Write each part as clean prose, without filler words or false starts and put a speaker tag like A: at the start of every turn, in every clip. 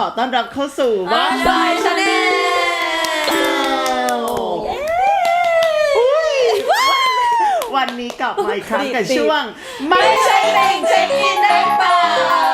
A: อต้อนรับเข้าสู่บ้านบายชาแนลวันนี้กลับมาอีกครั้งกับช่วงไม่ใช่เล่งเช็คอินได้เปล่า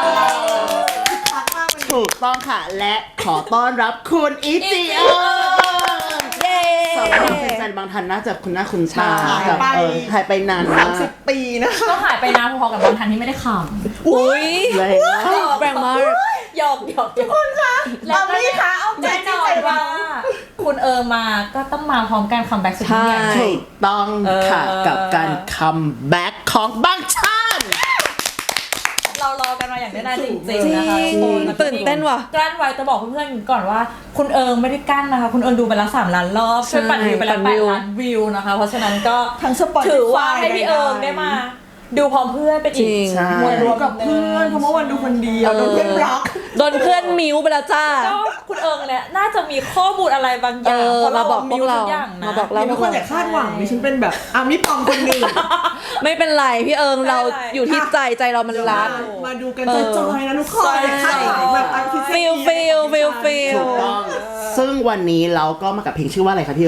A: ถูกต้องค่ะและขอต้อนรับคุณอิจิโอสำหรับแฟนๆบางท่านน่าจะคุณหน้าคุณตากับหายไปนานมาก
B: 30 ปีนะ
C: ก็หายไปนานพอๆกับบางท่านที่ไม่ได้ขำ
B: อุ้ย
C: แรงมากหยอกทุกคนคะ
B: แล้วก็คะเอาใจจริงใจว่า
C: คุณมาก็ต้องมาพร้อมการคัมแบ็กสุดยิ่งใหญ่
A: ถูกต้องค่ะกับการคัมแบ็กของบางท่าน
C: เรารอกันมาอย่างแน่นอนจริงๆนะคะ
B: ตื่นเต้นว่ะ
C: กลั้นไว้จะบอกเพื่อนๆก่อนว่าคุณไม่ได้กั้นนะคะคุณดูไปแล้ว3 ล้านรอบช่วยปั่นวิวไปแล้ว8 ล้านวิวนะคะเพราะฉะนั้นก็ถือว่าให้พี่ได้มาดูพร้อมเพื่อนไปอีก
B: มวลรวมกับเพื่อนเพราะเมื่อวันดูคนเดียวโดนเพื่อนบล็อก
D: โดนเพื่อนมิวไปแล้วจ้า
C: ก็คุณเนี่ยน่าจะมีข้อมูลอะไรบางอย่างเพราะเรา
D: บอกพวกเรา
C: มาบอกเรา
B: ทุกคนอย่าคาดหวังดิฉันเป็นแบบมิปอมคนหนึ่ง
D: ไม่เป็นไรพี่เราอยู่ที่ใจเรามันรัก
B: มาดูกันจอยๆนะทุกคนคาดหวังแบบ
D: ฟิล
A: ถูกต้องซึ่งวันนี้เราก็มากับเพลงชื่อว่าอะไรคะพี่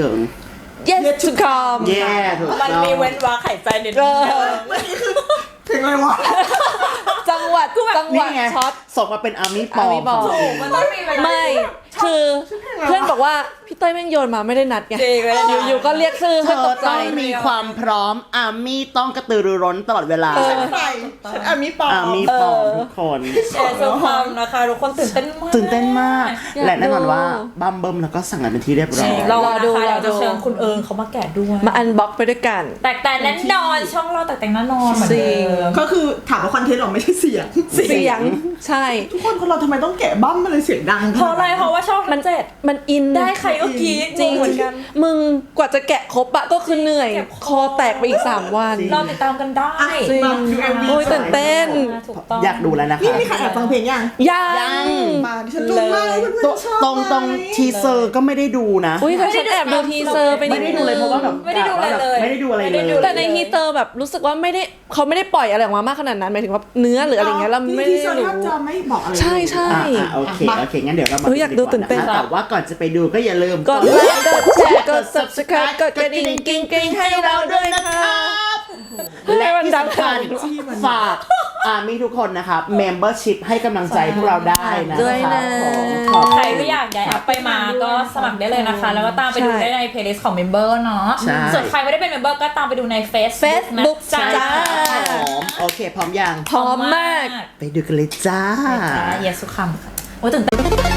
D: Yes to come
C: มันมีเว้นวรรคหายใจนิดนึง
B: มันนี่คือถึงอะไรวะ
D: จังหวัดช็อต
A: ส่งมาเป็นอาร์มี่ปอม
C: มันต้องมี
D: ไม่คือเพื่อนบอกว่าพี่เต้ยแม่งโยนมาไม่ได้นัดไงอยู่ก็เรียกชื่อ
A: เธอต้องมีความพร้อมอาร์มี่ต้องกระตือรือร้นตลอดเวลา
B: ฉันอาร์มี่ปอม
A: ทุกคน
C: แชร์โซฟามนะคะทุกคนตื่นเต้นมาก
A: และแน่นอนว่าบัมเบิ้มแล้วก็สั่งกันเป็นที่เรียบร้อย
C: เราดูเราจะเชิญคุณเขามาแกะด้วย
D: มาอันบ็อกไปด้วยกัน
C: แต่แน่นอนช่องเราแต่แน่นอนเหมือนเดิม
B: ก็คือถามว่าคอนเทนต์หรอไม่ใช่เสีย
D: งใช่
B: ทุกคนเราทำไมต้องแกะบั้มมันเลยเสียงดัง
C: เพราะอะไรเพราะว่าช่อง
D: มันอิน
C: ได้ใครก็กรี๊ดจริงเหมือนกัน
D: มึงกว่าจะแกะครบอะก็คือเหนื่อยคอแตกไปอีก3 วัน
C: เราติดตามกันได้
D: จริงโอ้ยตื่นเต้น
A: อยากดูแล้วนะคะ
B: นี่มีใครแอบฟังเพลง
D: ยัง
B: มาฉันรู้มาก
A: ตรงทีเซอร์ก็ไม่ได้ดูนะ
D: อุ้ยฉันแอบดูทีเซอร์ไปนิดนึง
A: ไม่ได้ดูเลยเพราะว่าแบบ
C: ไม่ได้ดูอะไรเลย
D: แต่ในทีเซอร์แบบรู้สึกว่าเขาไม่ได้ปล่อยอะไรออกมามากขนาดนั้นหมายถึงว่าเนื้อหรืออะไรเงี้ยเราไม่ได้
B: รู้จะไม่บอกอะไร
D: ใช่
A: โอเคงั้นเดี๋ยวเรามา
D: อยากดูตื่นเต้น
A: แต่ว่าก่อนจะไปดูก็อย่าลืม
D: กดไลค์กดแชร์กด subscribe กดกระดิ่งกิ๊งให้เราด้วยนะครับ
A: และที่สำคัญฝากมีทุกคนนะครับ membership ให้กำลังใจพวกเราได้นะ
D: ด้วยนะ
C: ใครไม่อยากย้ายแอปไปมาก็สมัครได้เลยนะคะแล้วก็ตามไปดูได้ใน playlist ของ member เนาะส่วนใครไม่ได้เป็น member ก็ตามไปดูใน Facebook
D: จ้า
A: โอเคพร้อมยัง
D: พร้อมมาก
A: ไปดูกันเลยจ้า
C: เยสุคัมค่ะโอ้ตื่นเต้น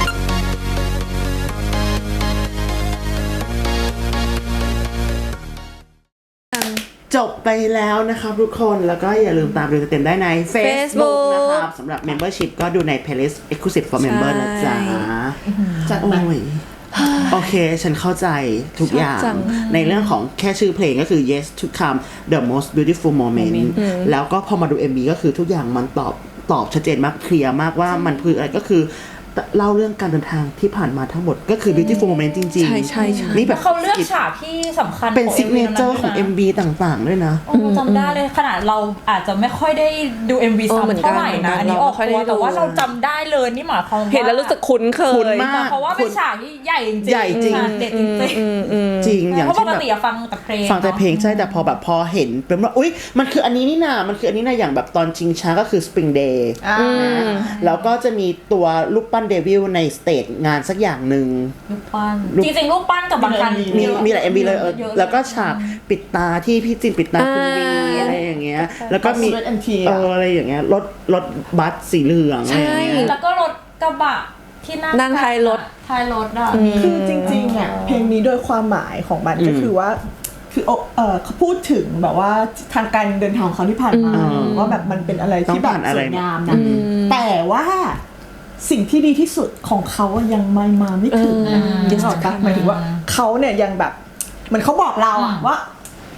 A: จบไปแล้วนะครับทุกคนแล้วก็อย่าลืมตามดูเต็มได้ใน Facebook นะครับสำหรับ Membership ก็ดูใน Playlist Exclusive for Member นะจ๊ะ
B: จัดไป
A: โอเคฉันเข้าใจทุกอย่างในเรื่องของแค่ชื่อเพลงก็คือ Yes to Come the most beautiful moment แล้วก็พอมาดู MV ก็คือทุกอย่างมันตอบชัดเจนมากเคลียร์มากว่ามันคืออะไรก็คือเล่าเรื่องการเดินทางที่ผ่านมาทั้งหมดก็คือ beautiful moment จริง
D: ๆใช่
A: นี่แบบ
C: เขาเลือกฉากที่สำคัญ
A: เป็น signature ของ MV ต่างๆด้วยนะ
C: จำได้เลยขนาดเราอาจจะไม่ค่อยได้ดู MV ซ้ำเท่าไหร่นะอันนี้ออกตัวแต่ว่าเราจำได้เลยนี่หมายความว่า
D: เห็นแล้วรู้สึกคุ้นเคย
C: เพราะว่าเป็นฉากที่ใหญ่จริงเด็ดจ
A: ริงอย่าง
C: เพราะปกติฟังแต่
A: เพลงใช่แต่พอเห็นเป็นว่าอุ๊ยมันคืออันนี้นี่นะมันคืออันนี้นะอย่างแบบตอนชิงช้าก็คือ Spring Day แล้วก็จะมีตัวลูกปั้นเดวิลในสเตจงานสักอย่างหนึ่ง
C: ลูกปั้นจริงๆลูกปั้นกับบางคัน
A: มีหลาย MV เลยแล้วก็ฉากปิดตาที่พี่จินปิดตาคุณวีอะไรอย่างเงี้ยแล้วก็มีอะไรอย่างเงี้ยรถบัสสีเหลืองอะไรอย่างเงี้ย
C: แล้วก็รถกระบะที่
D: นั่งท้ายรถ
C: อ่ะ
B: คือจริงๆอ่ะเพลงนี้โดยความหมายของมันก็คือว่าคือเขาพูดถึงแบบว่าทางการเดินทางของเขาที่ผ่านมาว่าแบบมันเป็นอะไรที่แบบสวยงามนะแต่ว่าสิ่งที่ดีที่สุดของเขายังมาไม่ถึงนะหมายถึงว่าเขาเนี่ยยังแบบเหมือนเขาบอกเราอะว่า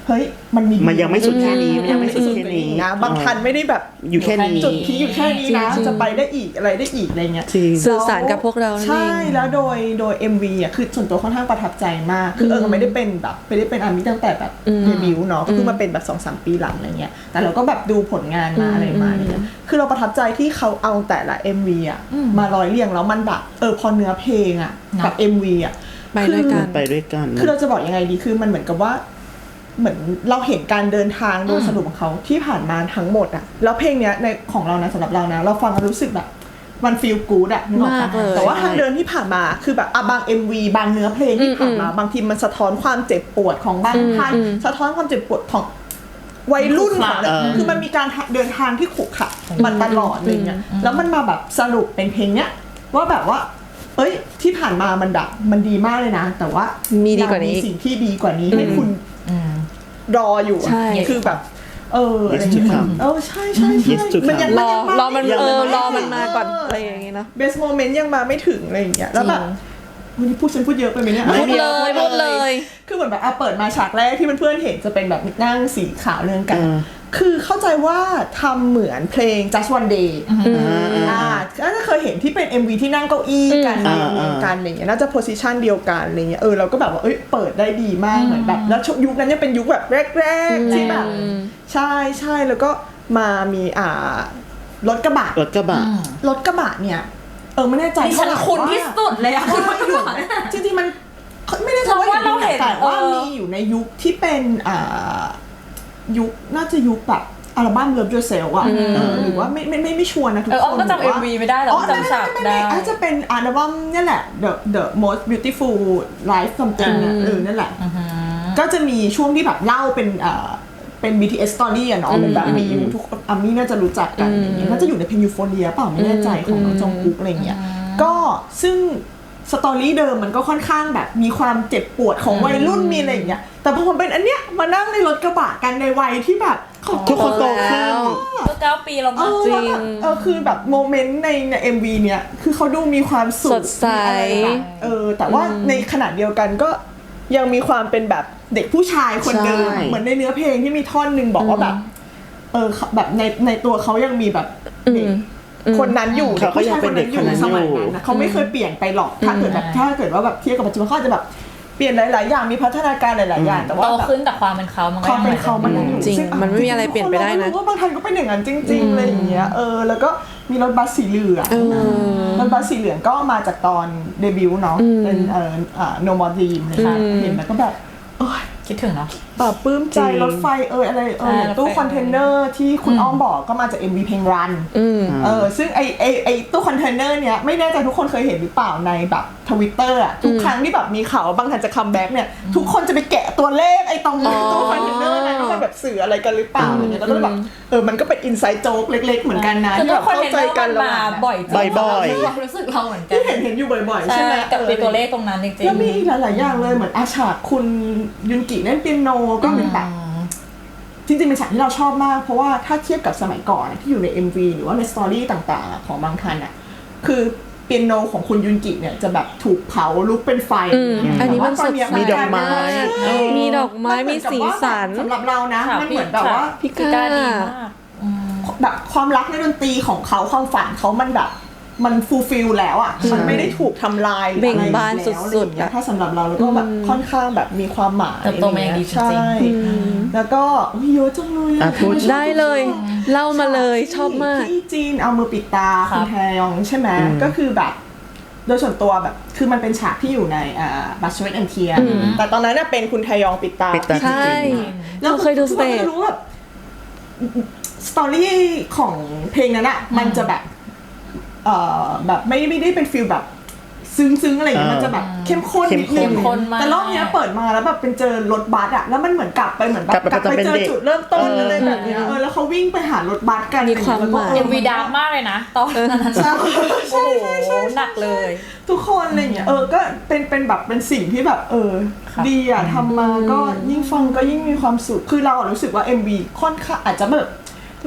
B: เฮ้ยมัน
A: ยังไม่สุดแค่นี้มันยังไม่สุดแค่นี้
B: นะบางทันไม่ได้แบบ
A: อยู่แค่นี้
B: จุดพีอยู่แค่นี้นะจะไปได้อีกอะไรได้อีกอะไรเงี้ย
D: สื่อสารกับพวกเรา
B: ใช่แล้วโดย MV อ่ะคือส่วนตัวค่อนข้างประทับใจมากคือไม่ได้เป็นแบบไม่ได้เป็นอาร์มี่ตั้งแต่แบบเดบิวต์เนาะก็เพิ่งมาเป็นแบบ 2-3 ปีหลังอะไรเงี้ยแต่เราก็แบบดูผลงานมาอะไรมาเนี่ยคือเราประทับใจที่เขาเอาแต่ละ MV อ่ะมาร้อยเรียงแล้วมันแบบพอเนื้อเพลงอ่ะกับ MV อ่ะ
A: ไปด้วยกัน
B: คือเราจะบอกยังไงดีคือมันเหมือนกับว่าเหมือนเราเห็นการเดินทางโดยสรุปของเขาที่ผ่านมาทั้งหมดอ่ะแล้วเพลงเนี้ยในของเรานะสำหรับเรานะเราฟังแล้วรู้สึกแบบมันฟีลกู๊ดอ่ะนึกออกปะแต่ว่าทางเดินที่ผ่านมาคือแบบบาง MV บางเนื้อเพลงที่ผ่านมาบางทีมันสะท้อนความเจ็บปวดของบางท่านสะท้อนความเจ็บปวดของวัยรุ่นของคือมันมีการเดินทางที่ขรุขระมันตลอดอะไรเงี้ยแล้วมันมาแบบสรุปเป็นเพลงเนี้ยว่าแบบว่าที่ผ่านมามันดีมากเลยนะแต่ว่า
D: มีดีกว่านี้
B: สิ่งที่ดีกว่านี้ให้คุณรออยู่คือแบบอะไรอย่างเงี้ยใช่
D: มันยังรอมันมาก่อนอะไรอย่างเงี้ยเนาะ
B: best moment ยังมาไม่ถึงอะไรอย่างเงี้ยแล้วแบบวันนี้ฉันพูดเยอะไปไหมเนี่ย
D: พูดเลย
B: คือเหมือนแบบเปิดมาฉากแรกที่เพื่อนๆเห็นจะเป็นแบบนั่งสีขาวเรื่องกันคือเข้าใจว่าทำเหมือนเพลง Just One Day น่าเคยเห็นที่เป็น MV ที่นั่งเก้าอี้กันกันอะไรเงี้ยน่าจะโพสิชันเดียวกันอะไรเงี้ยเราก็แบบว่าเปิดได้ดีมากเหมือนแบบแล้วยุคนั้นยังเป็นยุคแบบแรกๆที่แบบใช่แล้วก็มามีรถกระบะเนี่ยไม่แน่ใจ
C: ฉันคุ้นที่สุดเลยอะคุณ
B: จริงๆมันไม่ได้ว่าเราเห็นแต่ว่ามีอยู่ในยุคที่เป็นยุคน่าจะยุคแบบอัลบั้ม Love Yourself อ่ะหรือว่าไม่ชัวร์นะทุกคน
C: ก็จำ MV ไม่ได้หรอกจำฉากได้
B: อาจจะเป็นอัลบั้มนี่แหละ The Most Beautiful Life Something เนี่ยนั่นแหละก็จะมีช่วงที่แบบเล่าเป็น BTS story อ่ะเนาะเป็นแบบมีทุกอามี่น่าจะรู้จักกันอย่างเงี้ยน่าจะอยู่ในเพลง Euphoria เปล่าไม่แน่ใจของน้องจงกุ๊กอะไรเงี้ยก็ซึ่งสตอรี่เดิมมันก็ค่อนข้างแบบมีความเจ็บปวดของวัยรุ่นมีอะไรอย่างเงี้ยแต่พอมันเป็นอันเนี้ยมานั่งในรถกระบะกันในวัยที่แบบ
A: ทุกคนโตขึ้น
C: ก็9 ปีแล้วมั้ง
B: จริงคือแบบโมเมนต์ใน MV เนี้ยคือเขาดูมีความสุข
D: สดใส
B: แต่ว่าในขณะเดียวกันก็ยังมีความเป็นแบบเด็กผู้ชายคนเดิมเหมือนในเนื้อเพลงที่มีท่อนนึงบอกว่าแบบแบบในตัวเขายังมีแบบเด็กคนนั้นอยู่
A: เขายังเป็นเด็กคนนั้นอยู่
B: เขาไม่เคยเปลี่ยนไปหรอกถ้าเกิดว่าแบบเทียบกับปัจจุบันเขาจะแบบเปลี่ยนหลายๆอย่างมีพัฒนาการหลายๆอย่างแต่ว่า
C: โตขึ้นแต่ความเป็นเขามันก็
B: ยังอยู่
D: จริงมันไม่มีอะไรเปลี่ยนไปได้นะ
B: ว่าบางท่านก็เป็นอย่างนั้นจริงๆอะไรอย่างเงี้ยแล้วก็มีรถบัสสีเหลืองรถบัสสีเหลืองก็มาจากตอนเดบิวต์เนาะเป็นNo More Dream นะคะเห็นแล้วก็แบบ
C: คิดถึงเนาะ
B: ปลื้มใจรถไฟอะไรตู้คอนเทนเนอร์ที่คุณอ้อมบอกก็มาจาก MV เพลง Run ซึ่งไอตู้คอนเทนเนอร์เนี้ยไม่แน่ใจทุกคนเคยเห็นหรือเปล่าในแบบ Twitter อ่ะทุกครั้งที่แบบมีข่าวบางท่านจะคัมแบ็กเนี่ยทุกคนจะไปแกะตัวเลขไอตรงตู้คอนเทนเนอร์นั้นว่ามันแบบสื่ออะไรกันหรือเปล่าอะไรเงี้ยแล้วก็แบบมันก็เป็นอินไซต์โจ๊กเล็กๆเหมือนกันนะที่แบบเข้าใจกัน
C: มาบ่อยความรู้สึกเราเหมือนกัน
B: ที่เห็นอยู่บ่อยๆใช่ไหม
C: กับตัวเลขตรงนั้นจริงๆ
B: แล้วมีหลายๆอย่างเลยเหมือนอาฉากคุณยุนกิเล่นเปียโนก็เป็นแบบจริงๆเป็นฉากที่เราชอบมากเพราะว่าถ้าเทียบกับสมัยก่อนที่อยู่ใน MV หรือว่าในสตอรี่ต่างๆของบางทันอ่ะคือเปียโนของคุณยุนกิเนี่ยจะแบบถูกเผาลุกเป็นไฟ
D: อันนี้มันสด
A: มีดอกไม้
D: มีสีสัน
B: สำหรับเรานะมันเหมือนแบบว่า
D: พิการดีมาก
B: แบบความรักในดนตรีของเขาความฝันเขามันแบบมันฟูลฟิลแล้วอ่ะมันไม่ได้ถูกทำลาย
D: เบ่งบานสุด
B: ๆถ้าสำหรับเราแล้วก็แบบค่อนข้างแบบมีความหมาย
C: โตมาอย่างดีจริง
B: ๆแล้วก็เยอะจังเลย
D: ได้เลยเล่ามาเลยชอบมาก
B: ที่จีนเอามือปิดตาคุณแทยองใช่ไหมก็คือแบบโดยส่วนตัวแบบคือมันเป็นฉากที่อยู่ในบัชเชอร์แอนเทียแต่ตอนนั้นเป็นคุณแทยองปิดตา
D: ใช่เราเคยดูสเตจ
B: รู้แบบสตอรี่ของเพลงนั้นอะมันจะแบบแบบไม่ได้เป็นฟีลแบบซึ้งอะไรอย่างเงี้ยมันจะแบบเข้มข้นนิดนึงแต่รอบนี้เปิดมาแล้วแบบเป็นเจอรถบัสอะแล้วมันเหมือนกลับไปเหมือนแบบกลับไปเจอจุดเริ่มต้นอะไรแบบเนี้ยแล้วเขาวิ่งไปหารถบัสกัน
D: มีความหมาย
C: MVดาร์กมากเลยนะตอนนั้นใช่หนักเลย
B: ทุกคนอะไรอย่างเงี้ยก็เป็นแบบเป็นสิ่งที่แบบดีอะทำมาก็ยิ่งฟังก็ยิ่งมีความสุขคือเรารู้สึกว่า MV ค่อนข้างอาจจะแบบ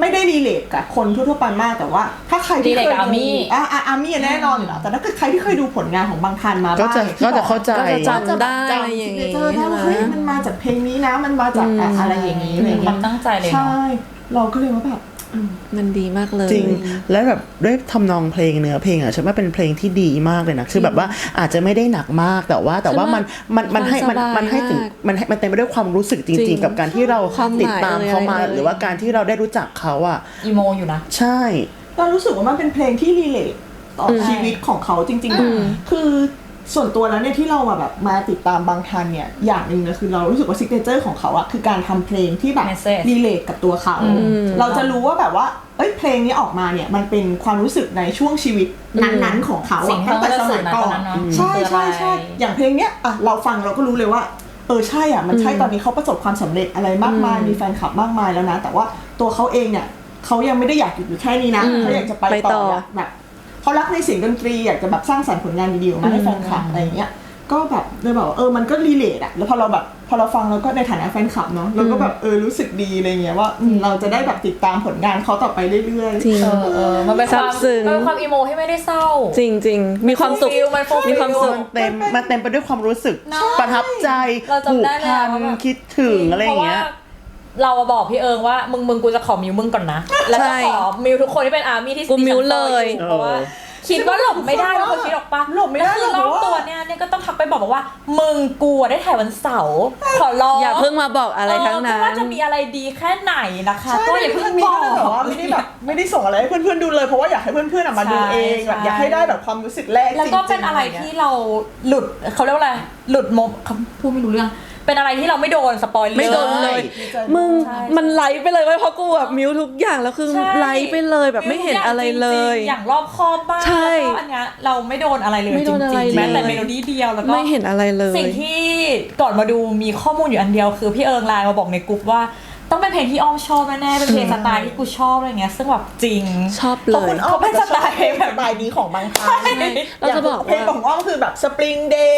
B: ไม่ได้รีเลทกับคนทั่วไปมากแต่ว่าถ้าใครที่เคยดูอาร์มี่แน่นอนอยู่แล้วแต่ถ้าเกิดใครที่เคยดูผลงานของบางทันมาบ้าง
A: ก็จะเข้าใจ
D: ก็จะจำได้อะไรอย่างงี้
B: ได้ว่าเฮ้ยมันมาจากเพลงนี้นะมันมาจากอะไรอย่างนี้อะไรอย่าง
C: ค
B: เงี้
C: วาย มตั้งใจเลย
B: ใช่เราก็เลยว่าแบบ
D: มันดีมากเลย
A: จริงแล้วแบบด้วยทำนองเพลงเนื้อเพลงอ่ะฉันว่าเป็นเพลงที่ดีมากเลยนะคือแบบว่าอาจจะไม่ได้หนักมากแต่ว่ามันให้ถึงมันเต็มไปด้วยความรู้สึกจริงๆกับการที่เราติดตามเขามาหรือว่าการที่เราได้รู้จักเขาอ่ะ
C: อีโมอยู่นะ
A: ใช่
B: เรารู้สึกว่ามันเป็นเพลงที่รีเลทต่อชีวิตของเขาจริงๆคือส่วนตัวแล้วเนี่ยที่เราแบบมาติดตามบางทันเนี่ยอย่างนึงนะคือเรารู้สึกว่าซิกเนเจอร์ของเขาอะคือการทำเพลงที่แบบรีเลทกับตัวเขาเราจะรู้ว่าแบบว่าเพลงนี้ออกมาเนี่ยมันเป็นความรู้สึกในช่วงชีวิตนั้นๆของเขาตั้งแต่สมัยก่อนใช่อย่างเพลงเนี้ยอะเราฟังเราก็รู้เลยว่าใช่อะมันใช่ตอนนี้เขาประสบความสำเร็จอะไรมากมายมีแฟนคลับมากมายแล้วนะแต่ว่าตัวเขาเองเนี่ยเขายังไม่ได้อยากหยุดอยู่แค่นี้นะเขาอยากจะไปต่อแบบเขารักในเสียงดนตรีอยากจะแบบสร้างสรรค์ผลงานดีๆออกมาให้แฟนคลับอะไรอย่างเงี้ยก็แบบเลยบอกว่ามันก็รีเลทอะแล้วพอเราฟังแล้วก็ในฐานะแฟนคลับเนาะเราก็แบบรู้สึกดีอะไรเงี้ยว่าเราจะได้แบบติดตามผลงานเขาต่อไปเรื่อย
C: ๆมันเป็นความอีโมที่ไม่ได้เศร้า
D: จริงๆมีความสุขมีความสุข
A: มันเต็มไปด้วยความรู้สึกประทับใจผูกพันคิดถึงอะไรอย่างเงี้ย
C: เราบอกพี่เอิงว่ามึงกูจะขอมิวมึงก่อนนะแล้วก็ขอมิวทุกคนที่เป็นอาร์มี่ที่
D: กูมิวเลย
C: เพราะว่าคิดว่าหลบไม่ได้เพราะคิดออกปะ
B: หลบไม่ได้
C: คือรอบตัวเนี่ยก็ต้องทักไปบอกว่ามึงกูได้ถ่ายวันเสาร์ขอร้อง
D: อย่าเพิ่งมาบอกอะไรทั้งนั้น
C: ว่าจะมีอะไรดีแค่ไหนนะคะก็อย่าเพิ่งบอก
B: ไม่ได้ส่งอะไรให้เพื่อนๆดูเลยเพราะว่าอยากให้เพื่อนๆมาดูเองแบบอยากให้ได้แบบความรู้สึกแรก
C: แล้วก็เป็นอะไรที่เราหลุดเขาเรียกว่าอะไรหลุดพูดไม่รู้เรื่องเป็นอะไรที่เราไม่โดนสปอย
D: ไม่โดนเลยมึงมันไลฟ์ไปเลยเพราะกูแบบมิวทุกอย่างแล้วคือไลฟ์ไปเลยแบบไม่เห็นอะไรเลย
C: อย่างรอบคอบบ้างแล้วก็อันเนี้ยเราไม่โดนอะไรเลยจริงๆแม้แต่เมโลดี้เดียวแล้วก็
D: ไม่เห็นอะไรเลย
C: สิ่งที่ก่อนมาดูมีข้อมูลอยู่อันเดียวคือพี่เอิงไลน์มาบอกในกลุ่มว่าต้องเป็นเพลงที่อ้อมชอบแน่ๆเป็นเพลงสไตล์ที่กูชอบอะไรเงี้ยซึ่งแบบจริง
D: ชอบเลย
B: เขาเป็นสไตล์เพลงแบบนี้ของบางทัน
D: เราจะบอก
B: เพลงของอ้อมคือแบบ Spring Day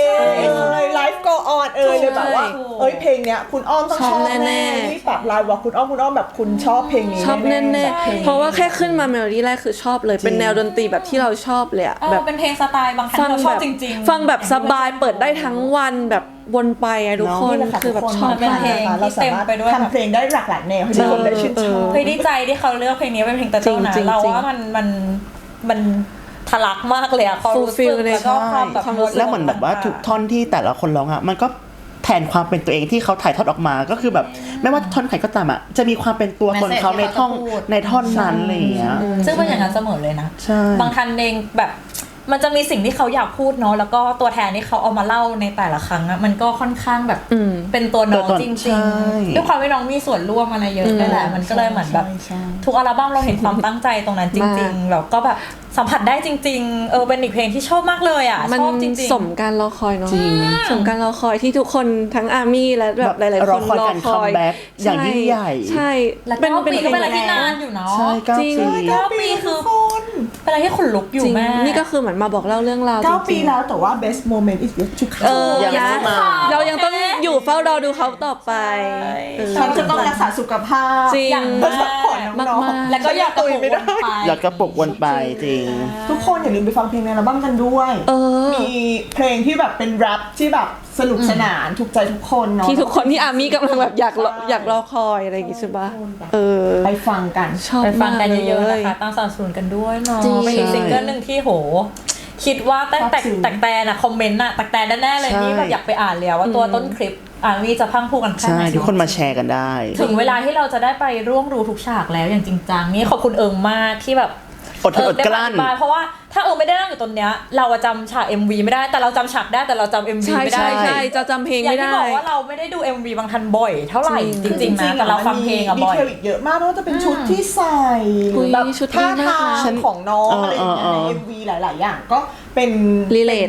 B: Life Go On เลยแบบว่าเพลงเนี้ยคุณอ้อมต้องชอบแน่ๆที่แบบไลน์บอกคุณอ้อมแบบคุณชอบเพลงนี้
D: ชอบแน่ๆเพราะว่าแค่ขึ้นมาเมโลดี้แรกคือชอบเลยเป็นแนวดนตรีแบบที่เราชอบเลยอะ
C: แบบเป็นเพลงสไตล์บางทันเราชอบจริง
D: ๆฟังแบบสบายเปิดได้ทั้งวันแบบวนไปอะทุกคนคือแบบชอบ
C: เป็นเพลงที่เต็มไปด้วย
B: ทำเพลงได้หลากหลายแนวให้ทุกคนได้ชื่นชอบ
C: เคยดีใจที่เขาเลือกเพลงนี้เป็นเพลงตะเจ้านะเราว่ามันทะลักมากเลยอะความรู้สึกแล้วก็ความแบบ
A: แล้วเหมือนแบบว่าทุกท่อนที่แต่ละคนร้องอะมันก็แทนความเป็นตัวเองที่เขาถ่ายทอดออกมาก็คือแบบไม่ว่าท่อนไหนก็ตามอะจะมีความเป็นตัวตนเขาในท่อนนั้นอะไรอย่างเงี้ย
C: ซึ่งเป็นอย่างนั้นเสมอเลยนะบางทันเองแบบมันจะมีสิ่งที่เขาอยากพูดเนาะแล้วก็ตัวแทนที่เขาเอามาเล่าในแต่ละครั้งอะมันก็ค่อนข้างแบบเป็นตัวน้องจริงๆด้วยความที่น้องมีส่วนร่วมอะไรเยอะด้วยแหละมันก็เลยเหมือนแบบทุกอัลบั้มเราเห็นความตั้งใจตรงนั้นจริงๆแล้วก็แบบสัมผัสได้จริงๆเป็นอีกเพลงที่ชอบมากเลยอ่ะชอบจริง
D: ๆสมการรอคอยเนาะสมการรอคอยที่ทุกคนทั้งอาร์มี่และแบบหลายๆคนรอคอย
A: อย่างยิ่งใหญ่
D: ใช่
C: เป็นปีก็เป็นอะไรที่นานอยู่เนาะ
A: จริง
C: 9 ปีคือเป็นอะไรที่ขนลุกอยู่แม่
D: นี่ก็คือเหมือนมาบอกเล่าเรื่องราว
B: 9 ปีแล้วแต่ว่า best moment is yet to come
D: เรายังต้องอยู่เฝ้ารอดูเขาต่อไป
B: ฉันจะต้องรักษาสุขภาพ
C: อย่างมากแล้วก็อยากกระปุกวนไป
A: อยากกระปุกวนไปจริง
B: ทุกคนอย่าลืมไปฟังเพลงในอัลบั้มกันด้วยมีเพลงที่แบบเป็นแรปที่แบบสนุกสนานถูกใจทุกคนเนาะ
D: ที่ทุกคนที่อาร์มี่กำลังแบบอยากรอคอยอะไรอย่างงี้ใช่ปะ
B: ไปฟังกัน
C: ไปฟังกันเยอะๆนะคะตั้งสนับสนุนกันด้วยเนาะเป็นอีกซิงเกิลนึงที่โหคิดว่าแต่นะคอมเมนต์น่ะแต่แน่ๆเลยนี่แบบอยากไปอ่านแล้วว่าตัวต้นคลิปมีจะพังพูกันแค่ไหน
A: ทุกคนมาแชร์กันได้
C: ถึงเวลาที่เราจะได้ไปร่วมดูทุกฉากแล้วอย่างจริงจังนี่ขอบคุณเอิงมากที่แบบ
A: อดกลั้น
C: เพราะว่าถ้าไม่ได้นั่งอยู่ตรงเนี้ยเราจำฉาก MV ไม่ได้แต่เราจำฉากได้แต่เราจำ MV ไม่ได้
D: ใช่จะจำเพลงไม่ได้
C: อย่างที่บอกว่าเราไม่ได้ดู MV บางทันบ่อยเท่าไหร่จริงๆนะแต่เราฟังเพลงบ่อย
B: ดีเทลอีกเยอะมากไม่ว่าจะเป็นชุดที่ใส่แบบท่าทางของน้องอะไรอย่างเงี้ยใน MV หลายๆอย่างก็เป็น
D: รีเลท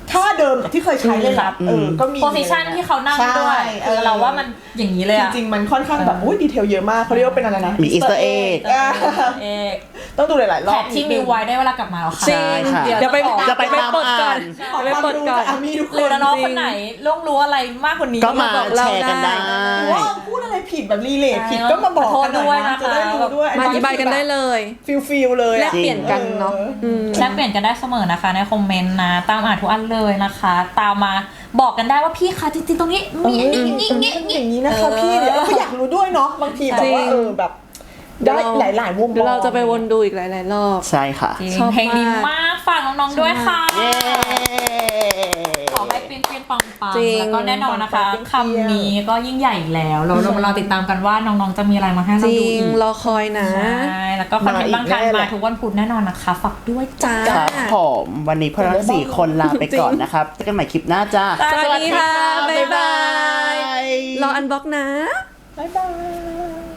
B: ท่าเดิมกับที่เคยใช้เลยนะก็มี
C: โพสิชันที่เขานั่งด้วยเราว่ามันอย่างนี้เลยอะ
B: จริงๆมันค่อนข้างแบบอุ้ยดีเทลเยอะมากเขาเรียกว่าเป็นอะไรนะ
A: มี Easter egg
B: ต้องดูหลายๆรอบ
C: แท็กที่มีไว้ได้เวลากลับมาแล้วค่ะ
D: จริง
A: ค่ะ
D: เดี๋ยวไป
A: จะไปตาม
D: เปิดก่อน
A: อ่าน
D: ไปเปิดก่อน
B: มีทุกค
C: หรือน น้องๆคนไหนล่วงรู้อะไรมากกว่านี้
A: ก็มาแชร์กันได้
B: ว่าพูดอะไรผิดแบบรีเลทผิดก็มาบอกกันหน่อยนะจะได้รู้ด้วย
D: มาอธิบายกันได้เลย
B: ฟิลเลย
D: แลกเปลี่ยนกันเนาะ
C: แลกเปลี่ยนกันได้เสมอนะคะในคอมเมนต์นะตามอ่านทุกอันเลยนะคะ ตามมาบอกกันได้ว่าพี่คะจริงๆตรงนี้มี
B: อย่างนี้นะคะพี่เดี๋ยวเราก็อยากรู้ด้วยเนาะบางทีแบบว่าแบบได้หลายๆมุมมอง
D: เดี๋ยวเราจะไปวนดูอีกหลายๆรอบ
A: ใช่ค่ะ
C: ชอบเพลงดีมากฝากน้องๆด้วยค่ะ
A: เย้
C: ขอให้เปรี้ยงๆปังๆแล้วก็แน่นอนนะคะคำนี้ก็ยิ่งใหญ่อีกแล้วเราติดตามกันว่าน้องๆจะมีอะไรมาให้เราดูอีก
D: รอคอยนะ
C: ใช่แล้วก็คอนเทนต์บางคันมาทุกวันพุธแน่นอนนะคะฝากด้วยจ้า
A: ครับผมวันนี้พวกเราทั้ง4 คนลาไปก่อนนะครับเจอกันใหม่คลิปหน้าจ้า
D: สวัสดีค่ะ บ๊ายบาย รออันบล็อกนะ
B: บ๊ายบาย